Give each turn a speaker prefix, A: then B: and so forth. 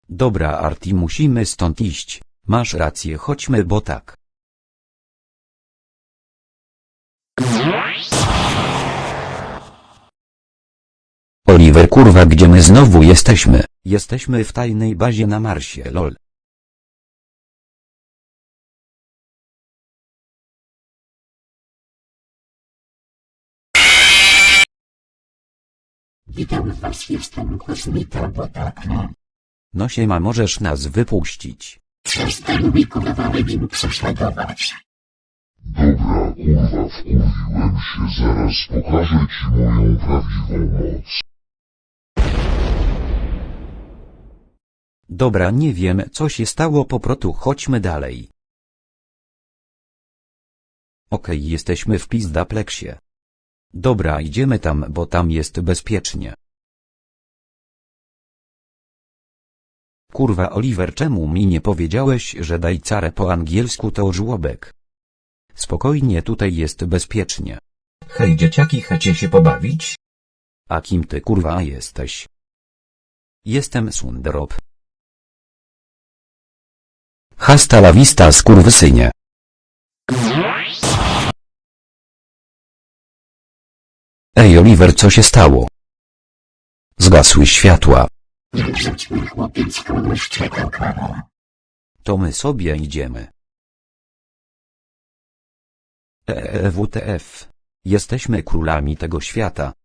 A: Dobra Arti, musimy stąd iść. Masz rację, chodźmy, bo tak.
B: Oliver, kurwa, gdzie my znowu jesteśmy?
A: Jesteśmy w tajnej bazie na Marsie, lol.
C: Witam was, jestem kosmita, bo tak no.
A: No siema, możesz nas wypuścić.
C: Przestań mi kurwa Regin prześladować.
D: Dobra, kurwa, wkurwiłem się, zaraz pokażę ci moją prawdziwą moc.
A: Dobra, nie wiem, co się stało, po prostu chodźmy dalej. Okej, jesteśmy w Pizdaplexie. Dobra, idziemy tam, bo tam jest bezpiecznie. Kurwa Oliver, czemu mi nie powiedziałeś, że daj carę po angielsku to żłobek? Spokojnie, tutaj jest bezpiecznie.
B: Hej dzieciaki, chcecie się pobawić?
A: A kim ty kurwa jesteś? Jestem Sundrop.
B: Hasta la vista, skurwysynie. Ej Oliver, co się stało? Zgasły światła.
C: Wrzuć mi chłopiec kogoś czeka karą.
A: To my sobie idziemy. WTF. Jesteśmy królami tego świata.